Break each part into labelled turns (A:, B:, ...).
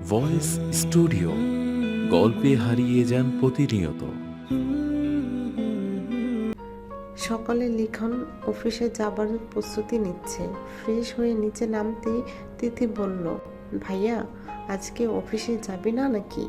A: Voice studio গল্পে হারিয়ে যান প্রতিনিয়ত।
B: সকালে লিখন অফিসে যাবার প্রস্তুতি নিচ্ছে। ফ্রেশ হয়ে নিচে নামতেই তিথি বলল, ভাইয়া আজকে অফিসে যাবি না নাকি?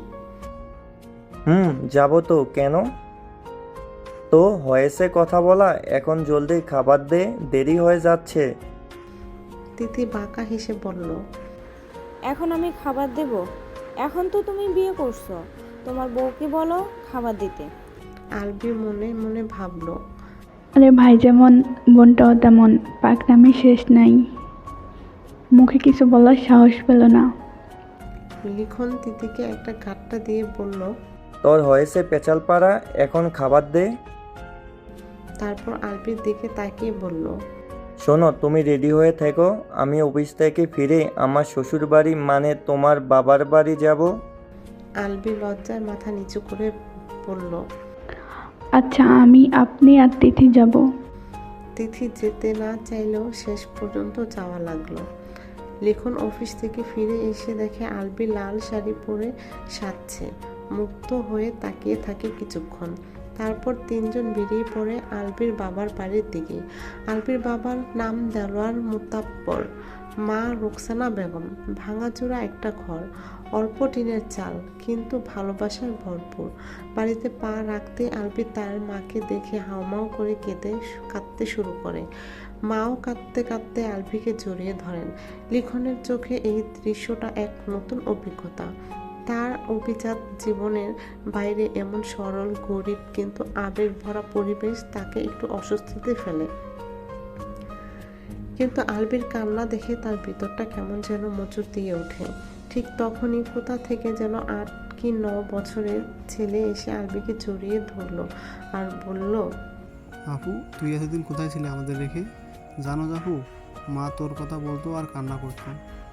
C: যাব তো। কেন? তো হয়েছে কথা বলা, এখন জলদি খাবার দে, দেরি হয়ে যাচ্ছে।
B: তিথি বাঁকা হেসে বলল,
D: এখন আমি খাবার দেব? এখন তো তুমি বিয়ে করছো, তোমার বউকে বলো খাবার দিতে।
B: আলবি মনে মনে ভাবল,
E: আরে ভাই যেমন বোনটাও তেমন, পাকনামি শেষ নাই। মুখে কিছু বলার সাহস পেল না।
B: লিখন তিথিকে একটা ঘাটটা দিয়ে বলল,
C: তোর হয়েছে পেঁচাল পাড়া, এখন খাবার দে।
B: তারপর আলবির দিকে তাকিয়ে বলল,
C: শোনো, তুমি রেডি হয়ে থেকো, আমি অফিস থেকে ফিরে আমার শ্বশুর বাড়ি মানে তোমার বাবার বাড়ি যাব।
B: আলবি লজ্জায় মাথা নিচু করে বলল,
E: আচ্ছা আমি আপনি আর তিথি যাব।
B: তিথি যেতে না চাইলেও শেষ পর্যন্ত যাওয়া লাগলো। লিখন অফিস থেকে ফিরে এসে দেখে আলবি লাল শাড়ি পরে সাজছে। মুগ্ধ হয়ে তাকিয়ে থাকে কিছুক্ষণ। তারপর তিনজন বেরিয়ে পড়ে আলবির বাবার বাড়ির দিকে। আলবির বাবার নাম দেলোয়ার মুতাব্বর, মা রোকসানা বেগম। ভাঙাচোরা একটা ঘর, অল্প টিনের চাল, কিন্তু ভালোবাসায় ভরপুর। বাড়িতে পা রাখতে আলবি তার মাকে দেখে হাউমাউ করে কাঁদতে শুরু করে। মাও কাঁদতে কাঁদতে আলবিকে জড়িয়ে ধরেন। লিখনের চোখে এই দৃশ্যটা এক নতুন অভিজ্ঞতা। তার অভিজাত জীবনের বাইরে এমন সরল, গরিব কিন্তু আবেগ ভরা পরিবেশ তাকে একটু অস্বস্তিতে ফেলে। কিন্তু আলবির কান্না দেখে তার ভিতরটা কেমন যেন মোচড় দিয়ে ওঠে। ঠিক তখনই কোথা থেকে যেন 8 কি 9 বছরের ছেলে এসে আলবিকে জড়িয়ে ধরলো আর বলল,
F: আপু, তুই এতদিন কোথায় ছিলে আমাদের রেখে? জানো আপু, মা তোর কথা বলতো আর কান্না করতো।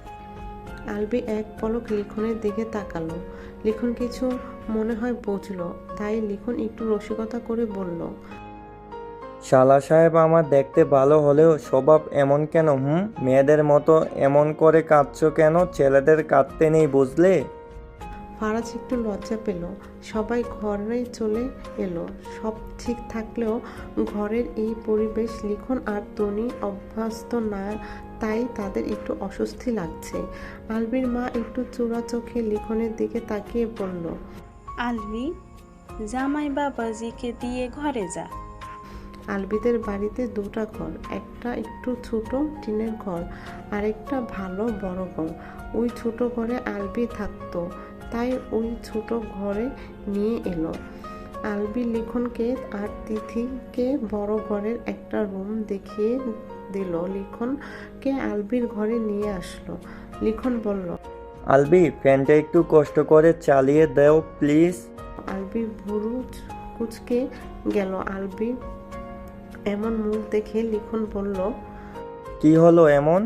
B: আলবি এক পলক লিখনের দিকে তাকালো। লিখন কিছু মনে হয় বুঝলো, তাই লিখন একটু রসিকতা করে বলল,
C: শালা সাহেব আমার দেখতে ভালো হলেও স্বভাব এমন কেন? মেয়েদের মতো এমন করে কাঁদছো কেন? ছেলেদের কাঁদতে নেই বুঝলে?
B: ফারাজ একটু লজ্জা পেল। সবাই ঘরে চলে এলো। সব ঠিক থাকলেও ঘরের এই পরিবেশ লিখন আর তনি অভ্যস্ত না, তাই তাদের একটু অস্বস্তি লাগছে। আলবির মা একটু চোরা চোখে লিখনের দিকে তাকিয়ে বলল,
G: আলবি, জামাই বাবাজিকে দিয়ে ঘরে যা।
B: আলবিদের বাড়িতে দুটা ঘর, একটা একটু ছোট টিনের ঘর, আরেকটা ভালো বড় ঘর। ওই ছোট ঘরে আলবি থাকতো, তাই ওই ছোট ঘরে নিয়ে এলো। আলবি লিখনকে আর তিথিকে বড় ঘরের একটা রুম দেখিয়ে দিল। লিখনকে আলবির ঘরে নিয়ে আসলো। লিখন বলল,
C: আলবি, ফ্যানটা একটু কষ্ট করে চালিয়ে দাও প্লিজ।
B: আলবি ভুরু কুচকে গেল। আলবি এমন মুখ দেখে লিখন বলল,
C: কি হলো এমন?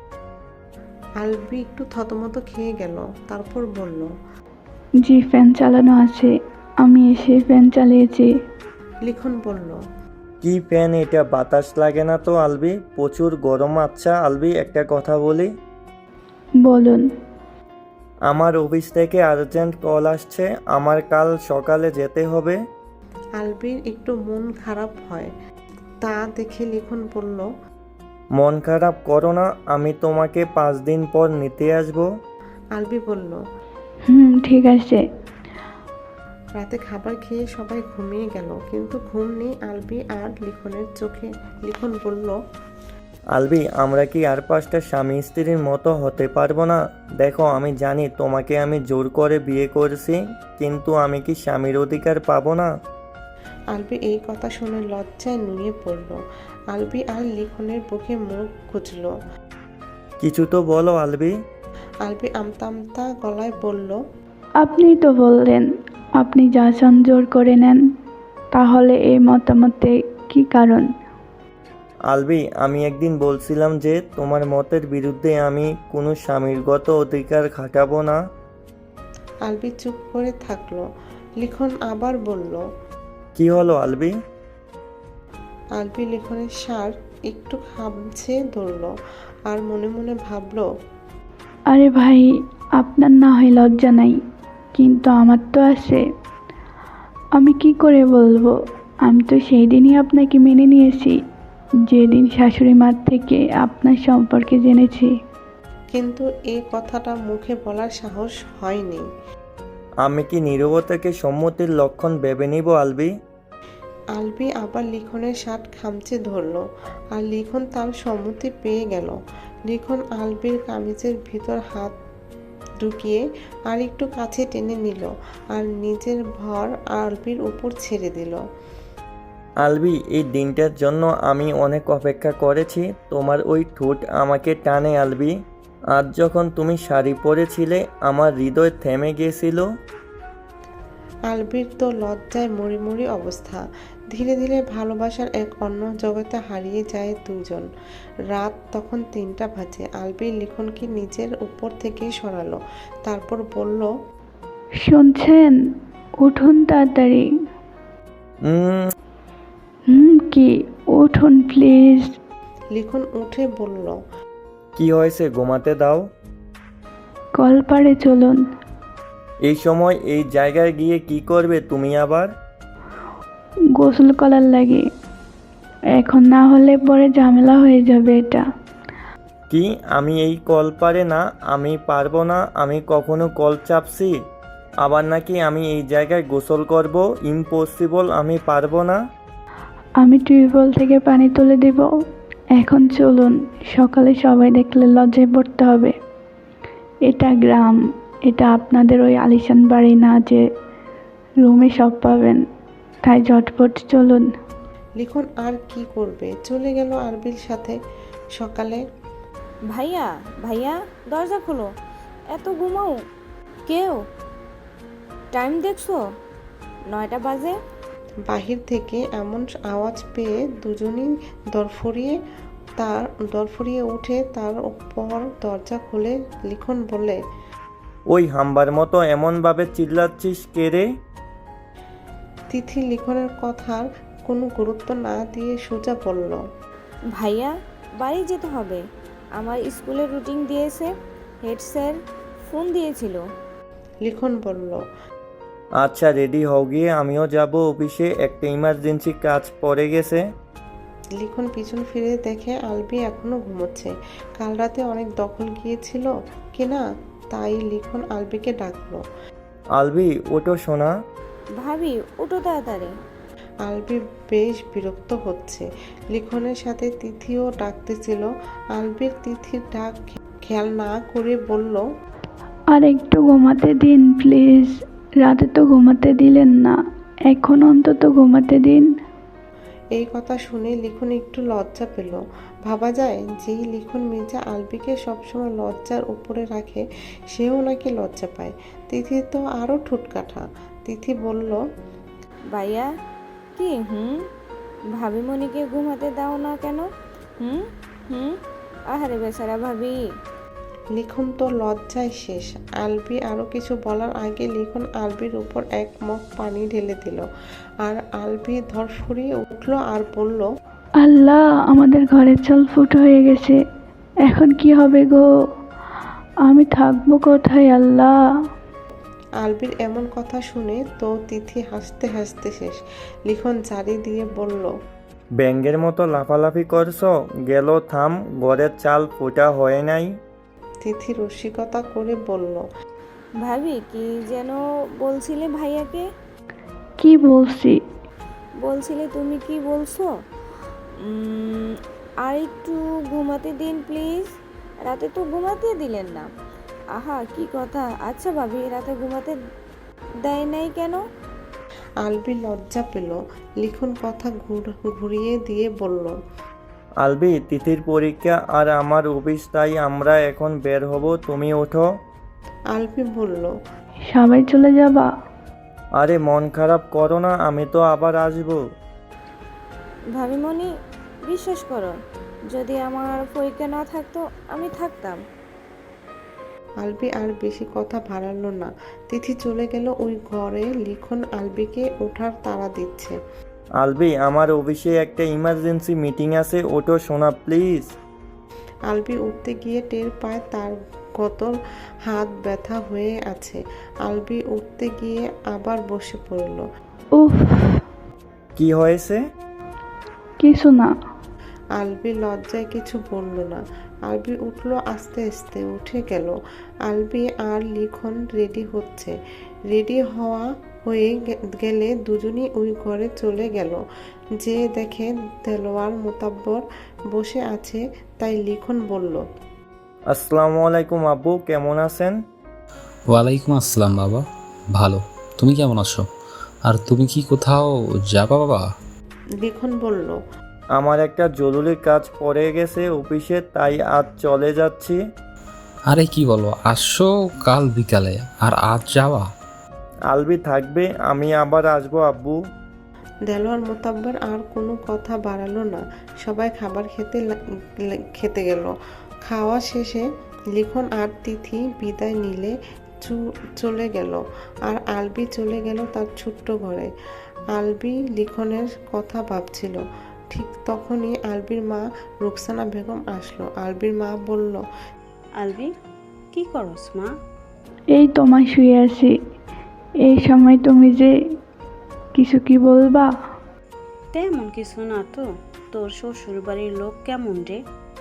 B: আলবি একটু থতমত খেয়ে গেল। তারপর বলল,
E: জি ফ্যান চালানো আছে, আমি এসে ফ্যান চালিয়েছি।
B: লিখন বলল,
C: কি ফ্যান এটা? বাতাস লাগে না তো আলবি, প্রচুর গরম। আচ্ছা আলবি, একটা কথা বলি।
E: বলুন।
C: আমার অফিস থেকে আর্জেন্ট কল আসছে, আমার কাল সকালে যেতে হবে।
B: আলবির একটু মন খারাপ হয়। তা দেখে লিখন বলল,
C: মন খারাপ করো না, আমি তোমাকে 5 দিন পর নিতে আসবো।
B: আলবি বলল।
E: ঠিক আছে।
B: রাতে খাবার খেয়ে সবাই ঘুমিয়ে গেল, কিন্তু ঘুম নেই আলবি আর লিখনের চোখে। লিখন বলল,
C: আলবি, আমরা কি আর 5টা স্বামী স্ত্রীর মতো হতে পারবো না? দেখো, আমি জানি তোমাকে আমি জোর করে বিয়ে করেছি, কিন্তু আমি কি স্বামীর অধিকার পাবো না?
B: আলবি এই কথা শুনে লজ্জায় নুয়ে পড়ল। আলবি আর লিখনের বুকে মুখ গুজল।
C: কিছু তো বলো আলবি।
B: আলবি আমতা আমতা গলায় বলল,
E: আপনি তো বললেন আপনি যা চান জোর করে নেন, তাহলে এই মতামতে কি কারণ?
C: আলবি, আমি একদিন বলছিলাম যে তোমার মতের বিরুদ্ধে আমি কোনো স্বামীরগত অধিকার খাটাবো না।
B: আলবি চুপ করে থাকলো। লিখন আবার বলল,
C: কি হলো আলবি?
B: আলবি লিখনের শার্ট একটু খামছে ধরল আর মনে মনে ভাবল,
E: আরে ভাই, আপনার না হয় লজ্জা নাই, কিন্তু আমার তো আছে। আমি কি করে বলবো? আমি তো সেই দিনই আপনাকে মেনে নিয়েছি, যেদিন শাশুড়ি মার থেকে আপনার সম্পর্কে জেনেছি।
B: কিন্তু এই কথাটা মুখে বলার সাহস হয়নি।
C: আমি কি নীরবতাকে সম্মতির লক্ষণ ভেবে নিব আলবি?
B: আলবি আবার লিখনের শার্ট খামচে ধরল, আর লিখন তার সম্মতি পেয়ে গেল। লিখন আলবির কামিজের ভিতর হাত ঢুকিয়ে আর একটু কাছে টেনে নিল, আর নিজের ভর আলবির উপর ছেড়ে দিল।
C: আলবি, এই দিনটার জন্য আমি অনেক অপেক্ষা করেছি। তোমার ওই ঠোঁট আমাকে টানে আলবি। আজ যখন তুমি শাড়ি পরেছিলে আমার হৃদয় থেমে গিয়েছিল।
B: আলবির তো লজ্জায় মরি অবস্থা। ধীরে ধীরে ভালোবাসার এক অন্য জগতে হারিয়ে যায় দুজন। রাত তখন 3টা বাজে। আলবি লিখনকে নিজের উপর থেকে সরালো, তারপর বলল,
E: শুনছেন? উঠুন তাড়াতাড়ি।
C: উম,
E: কি? উঠুন প্লিজ।
B: লিখন উঠে বলল,
C: কি হয়েছে? ঘুমাতে দাও।
E: কলপাড়ে চলুন।
C: এই সময় এই জায়গায় গিয়ে কি করবে তুমি আবার?
E: গোসল করার লাগে। এখন না হলে পরে ঝামেলা হয়ে যাবে এটা।
C: কি? আমি এই কল পারে না, আমি পারবো না। আমি কখনো কল চাপছি? আবার নাকি আমি এই জায়গায় গোসল করব? ইম্পসিবল, আমি পারবো না।
E: আমি টিউবওয়েল থেকে পানি তুলে দিব। এখন চলুন, সকালে সবাই দেখলে লজ্জায় পড়তে হবে। এটা গ্রাম, এটা আপনাদের ওই আলিশান বাড়ি না যে রুমে সব পাবেন। তাই ঝটপট চলুন।
B: লিখন আর কি করবে, চলে গেল আলবির সাথে। সকালে
D: ভাইয়া ভাইয়া, দরজা খোলো, এত ঘুমাও কেউ? টাইম দেখছো? 9টা বাজে।
B: বাহির থেকে এমন আওয়াজ পেয়ে দুজনই দরফরিয়ে উঠে তার উপর দরজা খুলে। লিখন বলে,
C: ওই হাম্বার মতো এমনভাবে চিল্লাচ্ছিস কে রে?
B: তিথি লিখনের কথার কোনো গুরুত্ব না দিয়ে সোজা বলল,
D: ভাইয়া, বাড়ি যেতে হবে, আমার স্কুলের রুটিন দিয়েছে, হেড স্যার ফোন দিয়েছিল।
B: লিখন বলল,
C: আচ্ছা রেডি হও গিয়ে, আমিও যাব অফিসে, একটা ইমার্জেন্সি কাজ পড়ে গেছে।
B: লিখন পিছন ফিরে দেখে আলবি এখনো ঘুমোচ্ছে। কাল রাতে অনেক দখল গিয়েছিল কিনা, তাই লিখন আলবিকে ডাকলো।
C: আলবি, ওটো শোনা।
D: ভাবি, উঠো তাড়াতাড়ি।
B: আলবি বেশ বিরক্ত হচ্ছে। লিখনের সাথে তিথিও ডাকতেছিল। আলবির তিথির ডাক খেয়াল না করে বলল,
E: আর একটু ঘুমাতে দিন প্লিজ। রাতে তো ঘুমাতে দিলেন না, এখন অন্তত ঘুমাতে দিন।
B: এই কথা শুনে লিখন একটু লজ্জা পেল। ভাবা যায়, যেই লিখন মির্জা আলবিকে সবসময় লজ্জার উপরে রাখে, সেও নাকি লজ্জা পায়। তিথি তো আরও ঠুটকাঠা। তিথি বলল,
D: ভাইয়া, কি ভাবি মনিকে ঘুমাতে দাও না কেন? আহারে বেচারা ভাবি।
B: লিখন তো লজ্জায় শেষ। আলবি আরও কিছু বলার আগে লিখন আলবির উপর এক মগ পানি ঢেলে দিল, আর আলবি ধরফরিয়ে উঠল আর বলল,
E: আল্লাহ, আমাদের ঘরের চাল ফুট হয়ে গেছে। এখন কি হবে গো? আমি থাকবো কোথায় আল্লাহ?
B: আলবির এমন কথা শুনে তো তিথি হাসতে হাসতে শেষ। লিখন জারি দিয়ে বলল,
C: ব্যাঙ্গের মতো লাফালাফি করছো? গেল থাম, ঘরের চাল ফোটা হয় নাই।
B: তিথি রসিকতা করে বলল,
D: ভাবি, কি যেন বলছিলে ভাইয়াকে?
E: কি বলছি?
D: বলছিলে তুমি কি বলছো? আর একটু ঘুমাতে দিন প্লিজ। রাতে তো ঘুমাতে দিলেন না। আহা, কি কথা। আচ্ছা ভাবি, রাতে ঘুমাতে দেয় নাই কেন?
B: আলবি লজ্জা পেল। লিখন কথা ঘুরিয়ে দিয়ে বলল,
C: আলবি, তিথির পরীক্ষা আর আমার অফিস, তাই আমরা এখন বের হব, তুমি ওঠো।
B: আলবি বলল,
E: সবাই চলে যাবা?
C: আরে মন খারাপ করো না, আমি তো আবার আসবো।
D: ভাবি মনি, বিশ্বাস করো, যদি আমার পরীক্ষা না থাকতো আমি থাকতাম।
B: আলবি আর বেশি কথা বাড়ালো না। তিথি চলে গেল ওই ঘরে। লিখন আলবিকে ওঠার তাড়া দিচ্ছে।
C: আলবি, আমার অফিসে একটা ইমার্জেন্সি মিটিং আছে, ওঠো সোনা প্লিজ।
B: আলবি উঠতে গিয়ে টের পায় তার কতর হাত ব্যথা হয়ে আছে। আলবি উঠতে গিয়ে আবার বসে পড়ল।
E: উফ,
C: কি হয়েছে?
E: কিছু না।
B: আলবি লজ্জায় কিছু বলল না। আলবি উঠল আস্তে আস্তে, উঠে গেল। আলবি আর লিখন রেডি হচ্ছে। রেডি হয়ে গেলে দুজনই ওই ঘরে চলে গেল। যে দেখে দেলোয়ার মোতাব্বর বসে আছে, তাই লিখন বলল,
C: আসসালামু আলাইকুম আব্বু, কেমন আছেন?
H: ওয়ালাইকুম আসসালাম বাবা, ভালো। তুমি কেমন আছো? আর তুমি কি কোথাও যাবা বাবা?
B: লিখন বলল,
C: আমার একটা জরুরি কাজ পড়ে গেছে অফিসে, তাই আজ চলে যাচ্ছি।
H: আরে কি বলো, আসছো কাল বিকালে আর আজ যাওয়া?
C: আলবি থাকবে, আমি আবার আসবো আব্বু।
B: দেলোয়ার মোতাব্বর আর কোনো কথা বাড়ালো না। সবাই খাবার খেতে গেল। খাওয়া শেষে লিখন আর তিথি বিদায় নিলে চলে গেল। আর আলবি চলে গেল তার ছোট্ট ঘরে। আলবি লিখনের কথা ভাবছিল। ঠিক তখনই আলবির মা রুকসানা বেগম আসলো। আলবির মা বলল,
G: আলবি, কি করস মা?
E: এই তোমায় শুয়ে আছি। এই সময় তুমি যে কিছু কি বলবা?
G: তেমন কিছু না তো। তোর শ্বশুর বাড়ির লোক কেমন রে?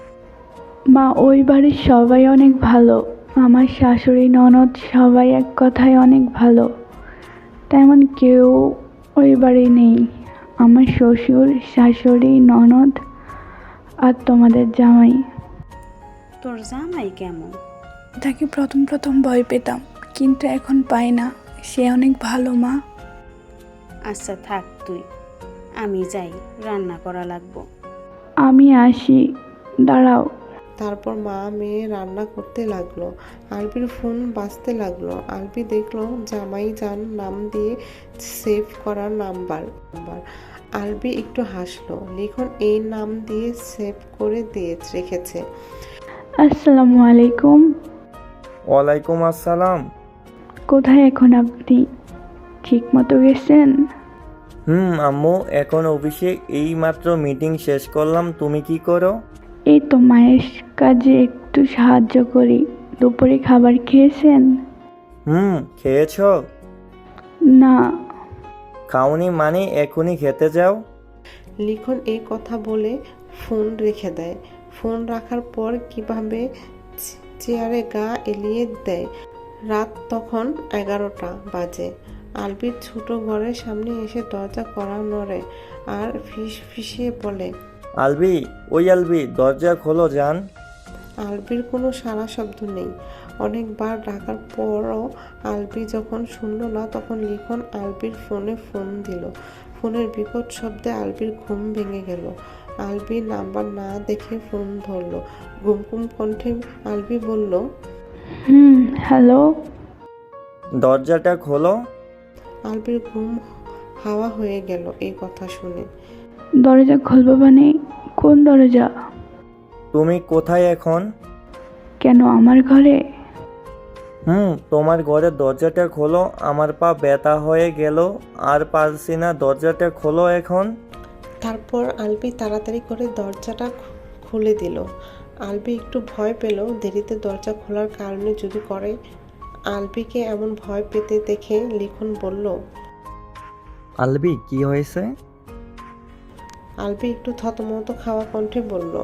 E: মা, ওই বাড়ির সবাই অনেক ভালো। আমার শাশুড়ি ননদ সবাই এক কথায় অনেক ভালো। তেমন কেউ ওই বাড়ি নেই। আমার শ্বশুর, শাশুড়ি, ননদ আর তোমাদের জামাই।
G: তোর জামাই কেমন?
I: তাকে প্রথম প্রথম ভয় পেতাম, কিন্তু এখন পাই না। সে অনেক ভালো মা।
G: আচ্ছা থাক তুই, আমি যাই, রান্না করা লাগবো।
E: আমি আসি, দাঁড়াও।
B: তারপর মা মেয়ে রান্না করতে লাগলো। আলবির ফোন বাজতে লাগলো। আলবি দেখলো জামাই জান নাম দিয়ে সেভ করা নাম্বার। আলবি একটু হাসলো। লিখন এই নাম দিয়ে সেভ করে রেখেছে।
E: আসসালামু আলাইকুম।
C: ওয়ালাইকুম আসসালাম।
E: কোথায় এখন আপনি? ঠিক মতো গেছেন?
C: আম্মু, এখন অফিসে এই মাত্র মিটিং শেষ করলাম। তুমি কি করো?
E: এই তো মায়ের কাজে একটু সাহায্য করি। দুপুরে খাবার খেয়েছেন?
C: খেয়েছো?
E: না।
C: খাওনি মানে এখনই খেতে যাও?
B: লিখন এই কথা বলে ফোন রেখে দেয়। ফোন রাখার পর কিভাবে চেয়ারে গা এলিয়ে দেয়। রাত তখন 11টা বাজে। আলবির ছোট ঘরের সামনে এসে দরজা কড়া নড়ে আর ফিসফিসিয়ে বলে,
C: আলবি, ওই আলবি, দরজা খোলো জান।
B: আলবির কোনো সাড়া শব্দ নেই। অনেকবার ডাকার পরও আলবি যখন শুনল না, তখন লিখন আলবির ফোনে ফোন দিল। ফোনের বিকট শব্দে আলবির ঘুম ভেঙে গেল। আলবি নাম্বার না দেখে ফোন ধরল। ঘুমঘুম কণ্ঠে আলবি বলল,
E: হ্যালো।
C: দরজাটা খোলো।
B: আলবির ঘুম হাওয়া হয়ে গেল এই কথা শুনে।
E: দরজা খুলবো মানে? কোন দরজা?
C: তুমি কোথায় এখন?
E: কেন, আমার ঘরে?
C: তোমার ঘরের দরজাটা খোলো। আমার পা ব্যথা হয়ে গেল, আর পারছি না। দরজাটা খোলো এখন।
B: তারপর আলবি তাড়াতাড়ি করে দরজাটা খুলে দিল। আলবি একটু ভয় পেল, দেরিতে দরজা খোলার কারণে যদি করে। আলবিকে এমন ভয় পেতে দেখে লিখন বলল,
C: আলবি, কি হয়েছে?
B: আলবি একটু থতমত খাওয়া কণ্ঠে বলল,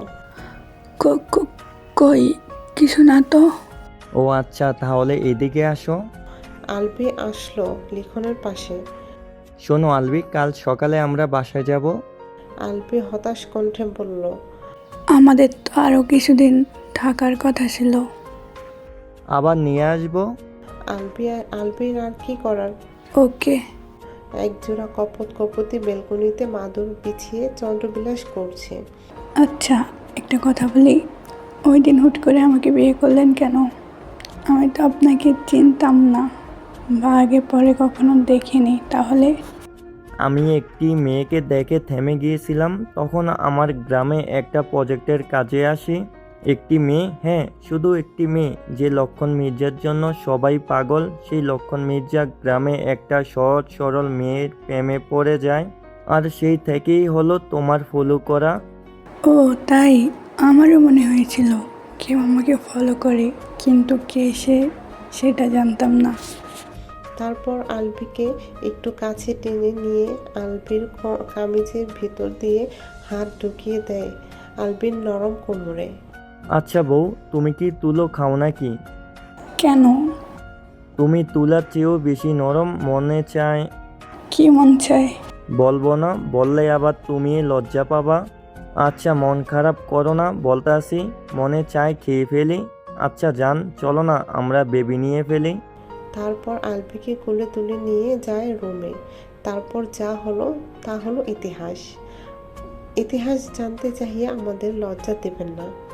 I: কই কিছু না তো।
C: ও আচ্ছা, তাহলে এদিকে আসো।
B: আলবি আসলো লিখনের পাশে।
C: শোনো আলবি, কাল সকালে আমরা বাসায় যাব।
B: আলবি হতাশ কণ্ঠে বলল,
I: আমাদের তো আরও কিছুদিন থাকার কথা ছিল।
C: আবার নিয়ে আসবো।
B: আলবির আর কি করার।
I: ওকে।
B: একজোড়া কপতি বেলকনিতে মাদুর বিছিয়ে চন্দ্রবিলাস করছে।
I: আচ্ছা, একটা কথা বলি, ওই দিন হুট করে আমাকে বিয়ে করলেন কেন? আমি তো আপনাকে চিনতাম না বা আগে পরে কখনো দেখিনি। তাহলে?
C: আমি একটি মেয়েকে দেখে থেমে গিয়েছিলাম। তখন আমার গ্রামে একটা প্রজেক্টের কাজে আসি। একটি মেয়ে, হ্যাঁ শুধু একটি মেয়ে, যে লক্ষণ মির্জার জন্য সবাই পাগল। সেই লক্ষণ মির্জা গ্রামে একটা সহজ সরল মেয়ের প্রেমে পড়ে যায়, আর সেই থেকেই হলো তোমার ফলো করা।
I: ও তাই, আমারও মনে হয়েছিল কেউ আমাকে ফলো করে, কিন্তু কে সে সেটা জানতাম না।
B: তারপর আলবিকে একটু কাছে টেনে নিয়ে আলবির কামিজের ভিতর দিয়ে হাত ঢুকিয়ে দেয় আলবির নরম কোমরে।
C: আচ্ছা বউ, তুমি কি তুলো খাও নাকি?
I: কেন?
C: তুমি তুলার চেয়েও বেশি নরম, মনে চায়।
I: কি মন চায়?
C: বলবো না, বললে আবার তুমি লজ্জা পাবা। আচ্ছা মন খারাপ করো না, বলতে আসি, মনে চায় খেয়ে ফেলি। আচ্ছা যান, চলো না আমরা বেবি নিয়ে ফেলি।
B: তারপর আলবিকে কোলে তুলে নিয়ে যায় রুমে। তারপর যা হলো তা হলো ইতিহাস। ইতিহাস জানতে চাহিয়ে আমাদের লজ্জা দেবেন না।